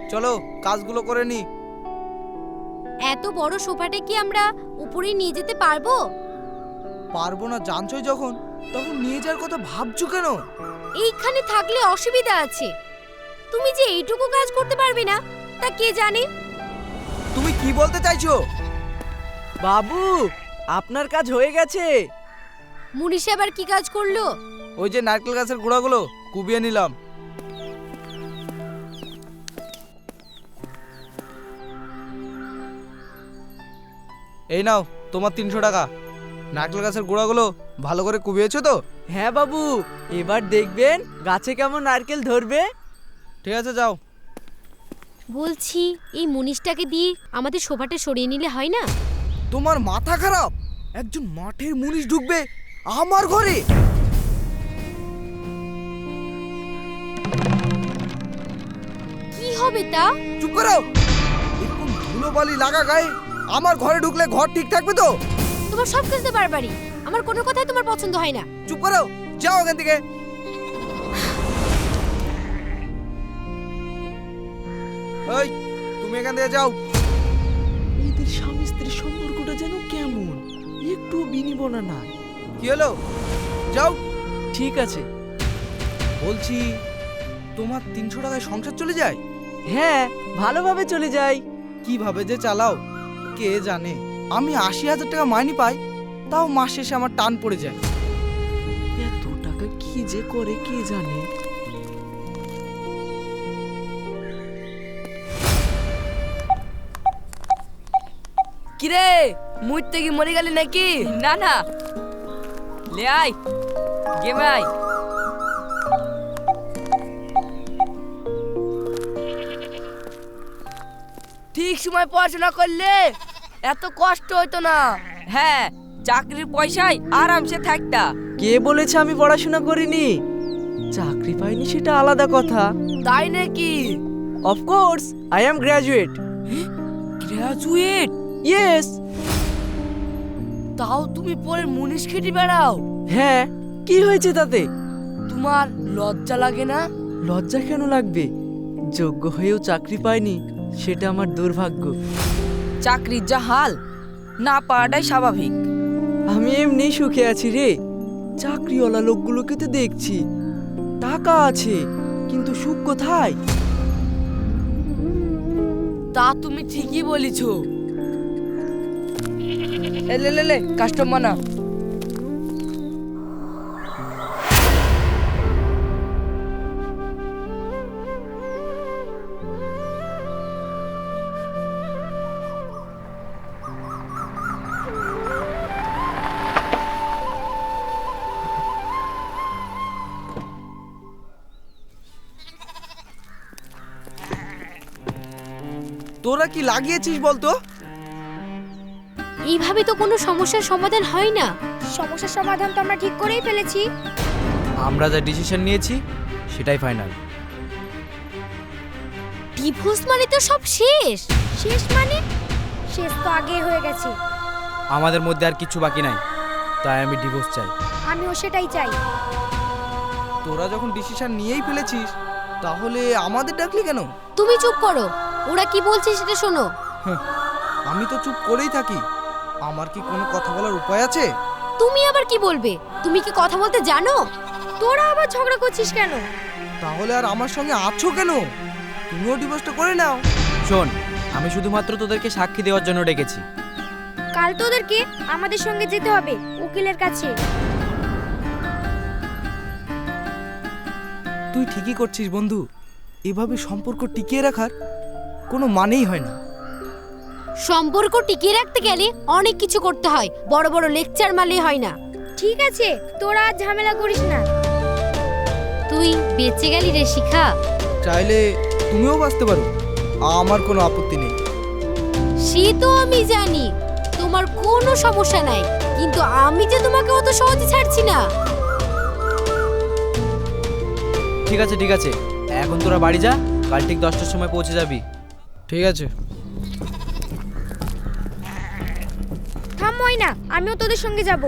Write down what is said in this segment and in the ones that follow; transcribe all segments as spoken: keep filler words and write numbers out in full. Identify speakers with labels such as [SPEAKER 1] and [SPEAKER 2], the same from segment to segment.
[SPEAKER 1] চলো কাজগুলো করে নি।
[SPEAKER 2] এত বড় সোফাটা কি আমরা উপরে নিয়ে যেতে পারবো?
[SPEAKER 1] পারবো না জানছই যখন, তখন নিয়ে যাওয়ার কথা ভাবছো কেন?
[SPEAKER 2] এইখানে থাকলে অসুবিধা আছে। তুমি যে এইটুকু কাজ করতে পারবে না তা কে জানে।
[SPEAKER 1] তুমি কি বলতে চাইছো?
[SPEAKER 3] বাবু, আপনার কাজ হয়ে গেছে।
[SPEAKER 2] মুনিশ আবার কি কাজ করলো?
[SPEAKER 1] ওই যে নারকেল গাছের গোড়াগুলো কুবিয়ে নিলাম। এই নাও তোমার তিনশো টাকা। নারকেল গাছের গোড়াগুলো ভালো করে কুবিয়েছো তো?
[SPEAKER 3] হ্যাঁ বাবু, এবার দেখবেন গাছে কেমন নারকেল ধরবে।
[SPEAKER 1] ঠিক আছে যাও।
[SPEAKER 2] বলছি এই মুনিশটাকে দিয়ে আমাদের সোফাটা সরিয়ে নিলে হয় না?
[SPEAKER 1] তোমার মাথা খারাপ? একজন মাঠের মুনিশ ঢুকবে আমার ঘরে?
[SPEAKER 2] কি হবে তা?
[SPEAKER 1] চুপ করো। এরকম ধুলোবালি লাগা গায়ে আমার ঘরে ঢুকলে ঘর ঠিক থাকবে তো?
[SPEAKER 2] তোমার সব কিছু বারবারই, আমার কোনো কথাই তোমার পছন্দ হয় না।
[SPEAKER 1] চুপ করো, যাও এখান থেকে। এই তুমি এখান থেকে যাও।
[SPEAKER 3] এদের স্বামী স্ত্রীর সম্পর্কটা যেন কেমন, একটু বিনিবনা নাই।
[SPEAKER 1] কি হলো? যাও।
[SPEAKER 3] ঠিক আছে।
[SPEAKER 1] বলছি তোমার তিনশো টাকায় সংসার চলে যায়?
[SPEAKER 3] হ্যাঁ, ভালোভাবে চলে যাই।
[SPEAKER 1] কিভাবে যে চালাও কে জানে। আমি আশি হাজার টাকা মাইনে পাই, তাও মাস শেষে আমার টান পড়ে যায়।
[SPEAKER 3] এত টাকা কি যে করে কে জানে।
[SPEAKER 4] কিরে, মুইতে কি মরে গেলি নাকি? না না, লে আয় গেমে আয়। ঠিক সময় পড়াশোনা করলে এত কষ্ট হইতো না। হ্যাঁ, চাকরির পয়সায় আরামসে থাকতা।
[SPEAKER 3] কে বলেছে আমি পড়াশোনা করিনি? চাকরি পাইনি সেটা আলাদা কথা।
[SPEAKER 4] তাই নাকি?
[SPEAKER 3] Of course, I am graduate.
[SPEAKER 4] Graduate?
[SPEAKER 3] Yes.
[SPEAKER 4] তাও তুমি পরে মুনিশ খেটে বেড়াও?
[SPEAKER 3] হ্যাঁ, কি হয়েছে তাতে?
[SPEAKER 4] তোমার লজ্জা লাগে না?
[SPEAKER 3] লজ্জা কেন লাগবে? যোগ্য হয়েও চাকরি পাইনি, সেটা আমার দুর্ভাগ্য।
[SPEAKER 4] চাকরির যা হাল, না পাওয়াটাই স্বাভাবিক।
[SPEAKER 3] আমি এমনি সুখে আছি রে। চাকরিওয়ালা লোকগুলোকে তো দেখছি, টাকা আছে, কিন্তু সুখ কোথায়?
[SPEAKER 4] তা তুমি ঠিকই বলেছ। এ লে লে লে কাস্টমার না।
[SPEAKER 1] তোরা কি লাগিয়েছিস বলতো?
[SPEAKER 2] এইভাবে তো কোনো সমস্যার সমাধান হয় না।
[SPEAKER 5] সমস্যার সমাধান তো আমরা ঠিক করেই ফেলেছি।
[SPEAKER 1] আমরা যা ডিসিশন নিয়েছি সেটাই ফাইনাল।
[SPEAKER 2] ডিভোর্স মানে তো সব শেষ।
[SPEAKER 5] শেষ মানে? শেষ তো আগে হয়ে গেছে।
[SPEAKER 1] আমাদের মধ্যে আর কিছু বাকি নাই, তাই আমি ডিভোর্স চাই।
[SPEAKER 5] আমিও সেটাই চাই।
[SPEAKER 1] তোরা যখন ডিসিশন নিয়েই ফেলেছিস, তাহলে আমাদের ডাকলি কেন?
[SPEAKER 2] তুমি চুপ করো, ওরা কি বলছে সেটা শোনো।
[SPEAKER 1] আমি তো চুপ করেই থাকি। আমার কি কোনো কথা বলার উপায় আছে?
[SPEAKER 2] তুমি আবার কি বলবে? তুমি কি কথা বলতে জানো?
[SPEAKER 5] তোরা আবার ঝগড়া করছিস কেন?
[SPEAKER 1] তাহলে আর আমার সঙ্গে আছো কেন? তুমিও ডিভোর্সটা করে নাও।
[SPEAKER 6] শোন, আমি শুধুমাত্র তোদেরকে সাক্ষী দেওয়ার জন্য ডেকেছি।
[SPEAKER 5] কাল তোদেরকে আমাদের সঙ্গে যেতে হবে উকিলের কাছে।
[SPEAKER 1] তুই ঠিকই করছিস বন্ধু। এভাবে সম্পর্ক টিকিয়ে রাখার কোনো মানেই হয় না।
[SPEAKER 2] সম্পর্ক টিকিয়ে রাখতে গেলে অনেক কিছু করতে হয়, বড় বড় লেকচার মারলেই হয় না।
[SPEAKER 5] ঠিক আছে, তোরা আর ঝামেলা করিস না।
[SPEAKER 2] তুই বেঁচে গেলি রে শিখা।
[SPEAKER 1] চাইলে তুমিও বাঁচতে পারো, আমার কোনো আপত্তি নেই।
[SPEAKER 2] সে তো আমি জানি, তোমার কোনো সমস্যা নাই, কিন্তু আমি যে তোমাকে অত সহজে ছাড়ছি না।
[SPEAKER 6] ঠিক আছে ঠিক আছে, এখন তোরা বাড়ি যা, কাল ঠিক দশটার সময় পৌঁছে যাবি।
[SPEAKER 1] ঠিক আছে।
[SPEAKER 5] থাম ময়না, আমিও তোদের সঙ্গে যাব।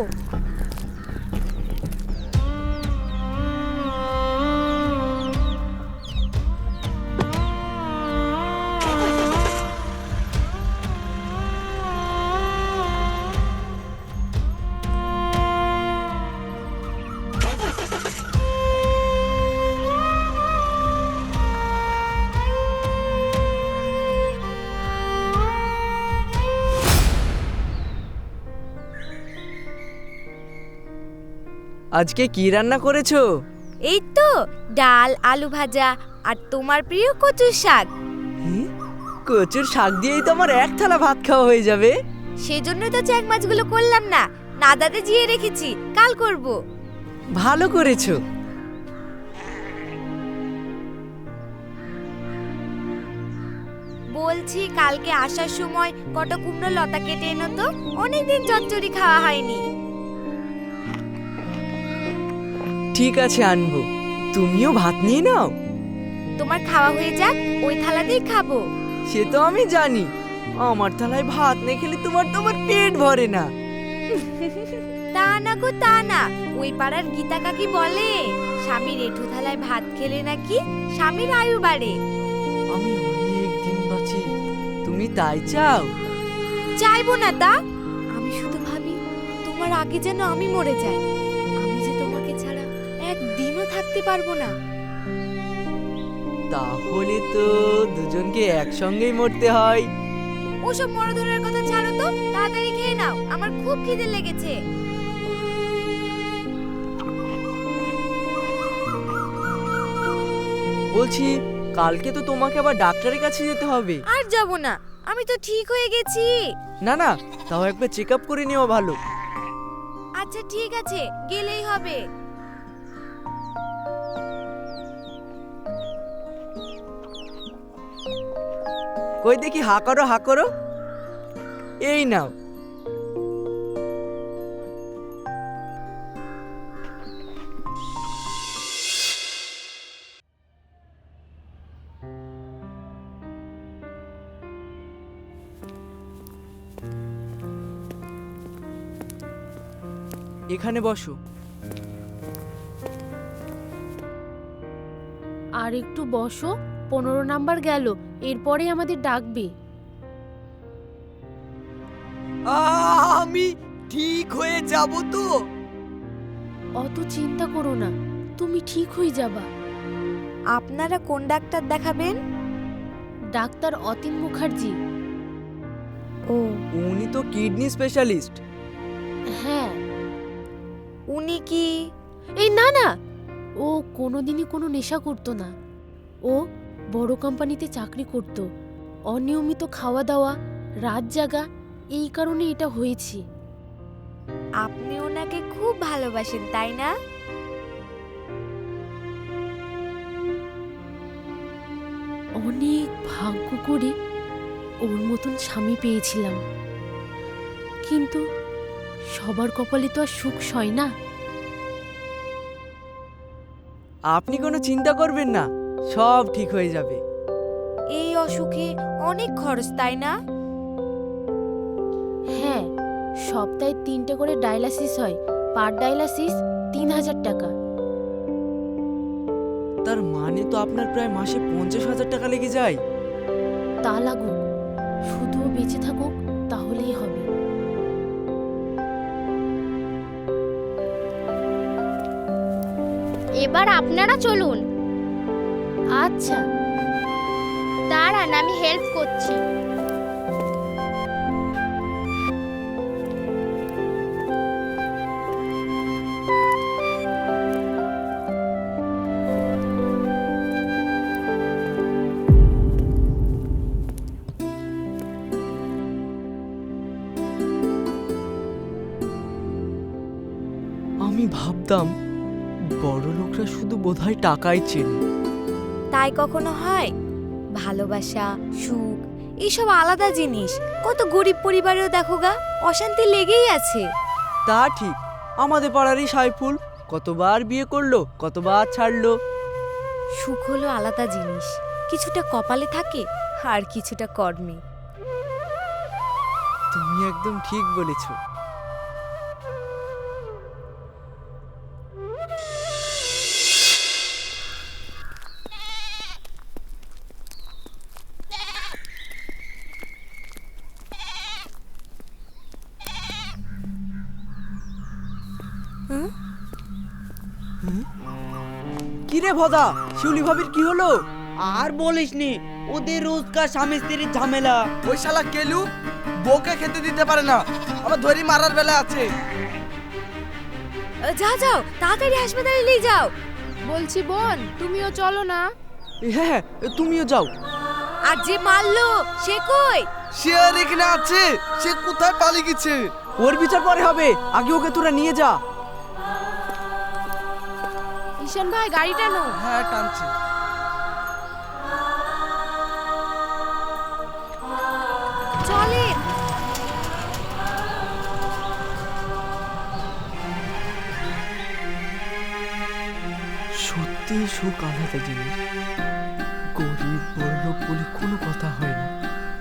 [SPEAKER 3] আজকে কি রান্না করেছো?
[SPEAKER 5] এই তো ডাল আলু ভাজা আর তোমার প্রিয় কচুর শাক।
[SPEAKER 3] হুম, কচুর শাক দিয়েই তো আমার এক থালা ভাত খাওয়া হয়ে যাবে।
[SPEAKER 5] সেজন্যই তো চ্যাং মাছগুলো করলাম না, নাদাতে জিয়ে রেখেছি, কাল করব।
[SPEAKER 3] ভালো করেছো।
[SPEAKER 5] বলছি কালকে আসার সময় কত কুমড়ো লতা কেটে এনো তো, অনেকদিন চচ্চড়ি খাওয়া হয়নি।
[SPEAKER 3] ঠিক আছে, আনবো। তুমিও ভাত নিয়ে নাও।
[SPEAKER 5] তোমার খাওয়া হয়ে যাক, ওই থালাতেই খাবো।
[SPEAKER 3] সে তো আমি জানি, আমার থালায় ভাত না খেলে তোমার তোমার পেট ভরে না।
[SPEAKER 5] তা না গো তা না, ওই পাড়ার গীতা কাকি বলে স্বামীর এঁঠো থালায় ভাত খেলে নাকি স্বামীর আয়ু বাড়ে।
[SPEAKER 3] আমি অনেক দিন বাঁচি, তুমি তাই চাও?
[SPEAKER 5] চাইবো না তা, আমি শুধু ভাবি তোমার আগে যেন আমি মরে যাই। আমি যে তোমাকে ছাড়া একদিনও থাকতে পারবো না।
[SPEAKER 3] তাহলে তো দুজনকে একসঙ্গেই মরতে হয়।
[SPEAKER 5] ওসব মরধরের কথা ছাড়ো তো, তাড়াতাড়ি খেয়ে নাও, আমার খুব খিদে লেগেছে।
[SPEAKER 3] বলছি, কালকে তো তোমাকে আবার ডাক্তারের কাছে যেতে হবে।
[SPEAKER 5] আর যাব না, আমি তো ঠিক হয়ে গেছি।
[SPEAKER 3] না না, তাও একবার চেক আপ করে নেওয়া ভালো।
[SPEAKER 5] আচ্ছা ঠিক আছে, গেলেই হবে।
[SPEAKER 3] কই দেখি, হা করো হা করো। এই নাও। এখানে বসো।
[SPEAKER 2] আর একটু বসো, পনেরো নাম্বার গেল, এরপরে আমাদের ডাকবে।
[SPEAKER 3] আমি ঠিক হয়ে যাব তো?
[SPEAKER 2] অত চিন্তা করো না, তুমি ঠিক হয়ে যাবা।
[SPEAKER 5] আপনারা কোন ডাক্তার দেখাবেন?
[SPEAKER 2] ডাক্তার অতীন মুখার্জি।
[SPEAKER 5] ও,
[SPEAKER 3] উনি তো কিডনি স্পেশালিস্ট।
[SPEAKER 2] হ্যাঁ।
[SPEAKER 5] উনি কি?
[SPEAKER 2] এই না না, ও কোনোদিনই কোনো নেশা করতো না। ও বড় কোম্পানিতে চাকরি করত। অনিয়মিত খাওয়া দাওয়া, রাত জাগা, এই কারণে এটা হয়েছে।
[SPEAKER 5] আপনি ওনাকে খুব ভালোবাসেন তাই না?
[SPEAKER 2] অনেক ভাগ্য করে ওর মতন স্বামী পেয়েছিলাম, কিন্তু সবার কপালে তো আর সুখ সয় না।
[SPEAKER 3] আপনি কোনো চিন্তা করবেন না, সব ঠিক হয়ে যাবে।
[SPEAKER 5] এই অসুখে অনেক খরচ তাই না?
[SPEAKER 2] হ্যাঁ, সপ্তাহে তিনটে করে ডায়ালাসিস হয়, পার ডায়ালাসিস তিন হাজার টাকা।
[SPEAKER 3] তার মানে তো আপনার প্রায় মাসে পঞ্চাশ হাজার টাকা লেগে যায়।
[SPEAKER 2] তা লাগুক, শুধু ও বেঁচে থাকুক, তাহলেই হবে।
[SPEAKER 7] এবার আপনারা চলুন।
[SPEAKER 2] আচ্ছা।
[SPEAKER 7] দাঁড়ান, আমি হেল্প করছি।
[SPEAKER 3] আমি ভাবতাম বড় লোকরা শুধু বোধহয় টাকাই চেনে।
[SPEAKER 5] তাই কখনো হয়? ভালোবাসা, সুখ এইসব আলাদা জিনিস। কত গরিব পরিবারেও দেখো গা, অশান্তি লেগেই আছে।
[SPEAKER 3] তা ঠিক, আমাদের পাড়ারই সাইফুল কতবার বিয়ে করলো, কতবার ছাড়লো।
[SPEAKER 5] সুখ হলো আলাদা জিনিস, কিছুটা কপালে থাকে আর কিছুটা কর্মে।
[SPEAKER 3] তুমি একদম ঠিক বলেছো। কিরে ভদা, শিউলি ভাবির কি হলো?
[SPEAKER 8] আর বলিসনি, ওদের রোজকার স্বামী স্ত্রীর ঝামেলা।
[SPEAKER 1] ওই শালা কেলু বউকে খেতে দিতে পারে না, আবার ধরি মারার বেলা আছে।
[SPEAKER 5] যাও যাও তাড়াতাড়ি হাসপাতালে নিয়ে যাও।
[SPEAKER 2] বলছি বোন, তুমিও চলো না।
[SPEAKER 3] হ্যাঁ তুমিও যাও।
[SPEAKER 5] আর যে মারলো সে কই?
[SPEAKER 1] সে আর এখানে আছে, সে কোথায় পালিয়ে গেছে?
[SPEAKER 3] ওর বিচার পরে হবে, আগে ওকে তোরা নিয়ে যা।
[SPEAKER 2] ঈশান ভাই গাড়ি টানো।
[SPEAKER 1] হ্যাঁ টানছি।
[SPEAKER 5] চলেন।
[SPEAKER 3] সত্যি সুখ আলাদা জিনিস, গরিব বড়লোক বলে কোনো কথা হয় না।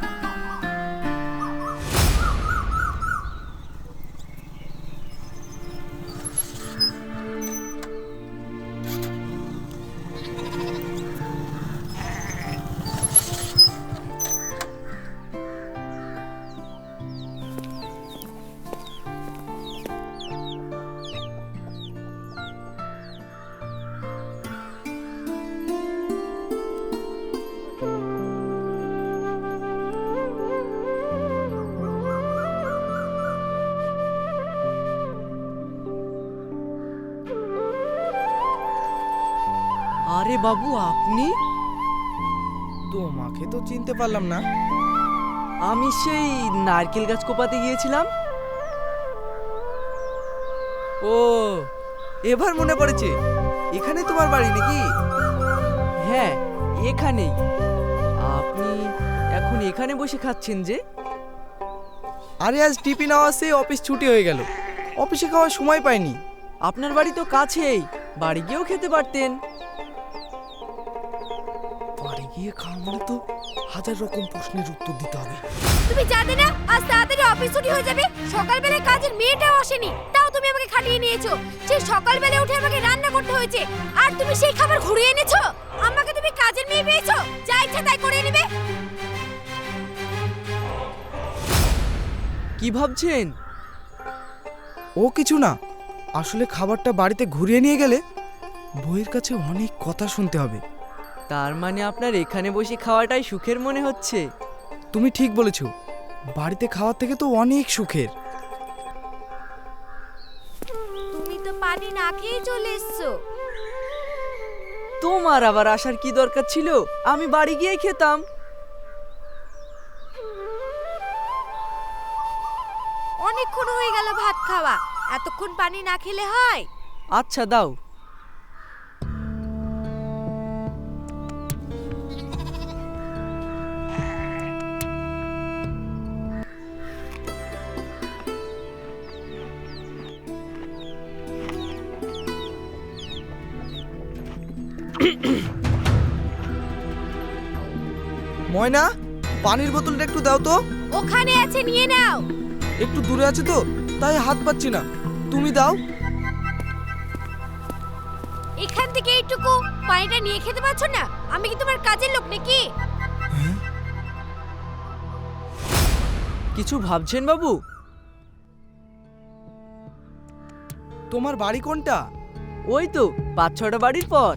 [SPEAKER 3] আরে বাবু আপনি?
[SPEAKER 1] তোমাকে তো চিনতে পারলাম না।
[SPEAKER 3] আমি সেই নারকেল গাছ কোপাতে গিয়েছিলাম।
[SPEAKER 1] ও, এবার মনে পড়েছে, এখানে তোমার বাড়ি নাকি?
[SPEAKER 3] হ্যাঁ এখানেই। আপনি এখন এখানে বসে খাচ্ছেন যে?
[SPEAKER 1] আরে আজ টিফিন আওয়াজে অফিস ছুটি হয়ে গেল, অফিসে খাওয়ার সময় পাইনি।
[SPEAKER 3] আপনার বাড়ি তো কাছেই, বাড়ি গিয়েও খেতে পারতেন।
[SPEAKER 1] বাড়ি গিয়ে খাওয়া মানে তো হাজার রকম প্রশ্নের উত্তর দিতে হবে।
[SPEAKER 5] তুমি জানো না আজ তাড়াতাড়ি অফিস ছুটি হয়ে যাবে? সকালবেলা কাজের মেয়েটাও আসেনি, তাও তুমি আমাকে খাটিয়ে নিয়েছো। সেই সকালবেলা উঠে আমাকে রান্না করতে হয়েছে, আর তুমি সেই খাবার ঘুরিয়ে এনেছো। আমাকে তুমি কাজের মেয়ে পেয়েছো, যা ইচ্ছা তাই করে নেবে।
[SPEAKER 3] কি ভাবছেন?
[SPEAKER 1] ও কিছু না, আসলে খাবারটা বাড়িতে ঘুরিয়ে নিয়ে গেলে বইয়ের কাছে অনেক কথা শুনতে হবে।
[SPEAKER 3] তার মানে আপনার এখানে বসে খাওয়াটাই সুখের মনে হচ্ছে?
[SPEAKER 1] তুমি ঠিক বলেছো, বাড়িতে খাওয়ার থেকে তো অনেক সুখের।
[SPEAKER 5] তুমি তো পানি না খেয়ে চলে এসছো।
[SPEAKER 3] তোমার আবার আসার কি দরকার ছিল? আমি বাড়ি গিয়ে খেতাম।
[SPEAKER 5] অনেকক্ষণ হয়ে গেল ভাত খাওয়া, এতক্ষণ পানি না খেলে হয়?
[SPEAKER 3] আচ্ছা দাও।
[SPEAKER 1] ময়না, পানির বোতলটা একটু দাও তো।
[SPEAKER 5] ওখানে আছে, নিয়ে নাও।
[SPEAKER 1] একটু দূরে আছে তো, তাই হাত পাচ্ছি না, তুমি দাও।
[SPEAKER 5] এখান থেকে এইটুকু পানিটা নিয়ে খেতে পারছো না? আমি কি তোমার কাজের লোক নাকি?
[SPEAKER 3] কিছু ভাবছেন বাবু?
[SPEAKER 1] তোমার বাড়ি কোনটা?
[SPEAKER 3] ওই তো পাঁচ ছটা বাড়ির পর।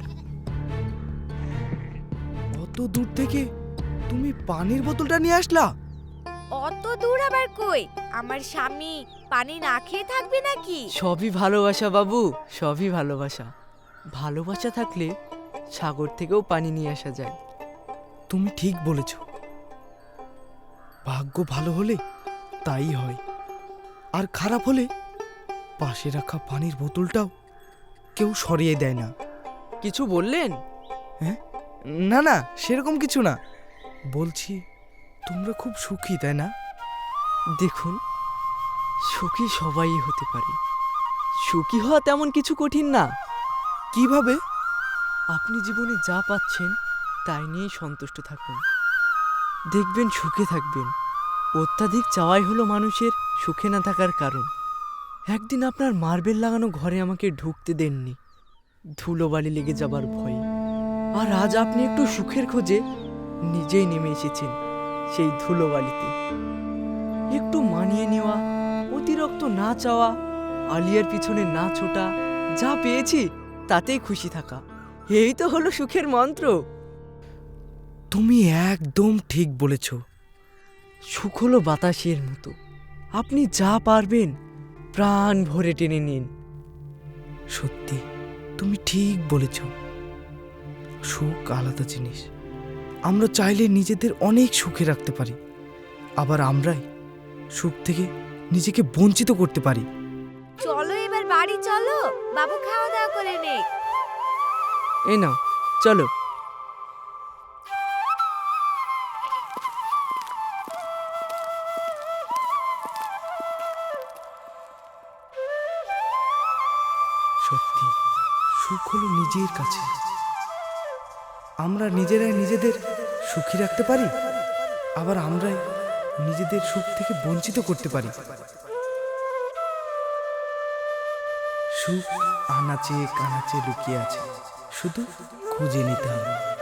[SPEAKER 1] অত দূর থেকে তুমি পানির বোতলটা নিয়ে আসলা?
[SPEAKER 5] অত দূর আবার কই? আমার স্বামী পানি না খেয়ে থাকবে নাকি?
[SPEAKER 3] সবই ভালোবাসা বাবু, সবই ভালোবাসা। ভালোবাসা থাকলে সাগর থেকেও পানি নিয়ে আসা যায়।
[SPEAKER 1] তুমি ঠিক বলেছ, ভাগ্য ভালো হলে তাই হয়, আর খারাপ হলে পাশে রাখা পানির বোতলটাও কেউ সরিয়ে দেয় না।
[SPEAKER 3] কিছু বললেন?
[SPEAKER 1] হ্যাঁ, না না, সেরকম কিছু না। বলছি তোমরা খুব সুখী, তাই না?
[SPEAKER 3] দেখুন, সুখী সবাই হতে পারে, সুখী হওয়া তেমন কিছু কঠিন না।
[SPEAKER 1] কিভাবে?
[SPEAKER 3] আপনি জীবনে যা পাচ্ছেন তাই নিয়েই সন্তুষ্ট থাকুন, দেখবেন সুখে থাকবেন। অত্যাধিক চাওয়াই হলো মানুষের সুখে না থাকার কারণ। একদিন আপনার মার্বেল লাগানো ঘরে আমাকে ঢুকতে দেননি, ধুলোবালি লেগে যাবার ভয়ে। আর আজ আপনি একটু সুখের খোঁজে নিজেই নেমে এসেছেন সেই ধুলোবালিতে। একটু মানিয়ে নেওয়া, অতিরিক্ত না চাওয়া, আলিয়ার পিছনে না ছোটা, যা পেয়েছি তাতেই খুশি থাকা, এই তো হলো সুখের মন্ত্র।
[SPEAKER 1] তুমি একদম ঠিক বলেছ।
[SPEAKER 3] সুখ হলো বাতাসের মতো, আপনি যা পারবেন প্রাণ ভরে টেনে নিন,
[SPEAKER 1] সত্যি তুমি ঠিক বলেছ, সুখ আলাদা জিনিস। আমরা চাইলে নিজেদের অনেক সুখে রাখতে পারি, আবার আমরাই সুখ থেকে নিজেকে বঞ্চিত করতে পারি।
[SPEAKER 5] চলো এবার বাড়ি চলো, বাবু খাওয়া দাওয়া করে নে।
[SPEAKER 3] এই নাও চলো।
[SPEAKER 1] সত্যি সুখ হলো নিজের কাছে। আমরা নিজেরাই নিজেদের সুখী রাখতে পারি, আবার আমরাই নিজেদের সুখ থেকে বঞ্চিত করতে পারি। সুখ আনাচে কানাচে লুকিয়ে আছে, শুধু খুঁজে নিতে হবে।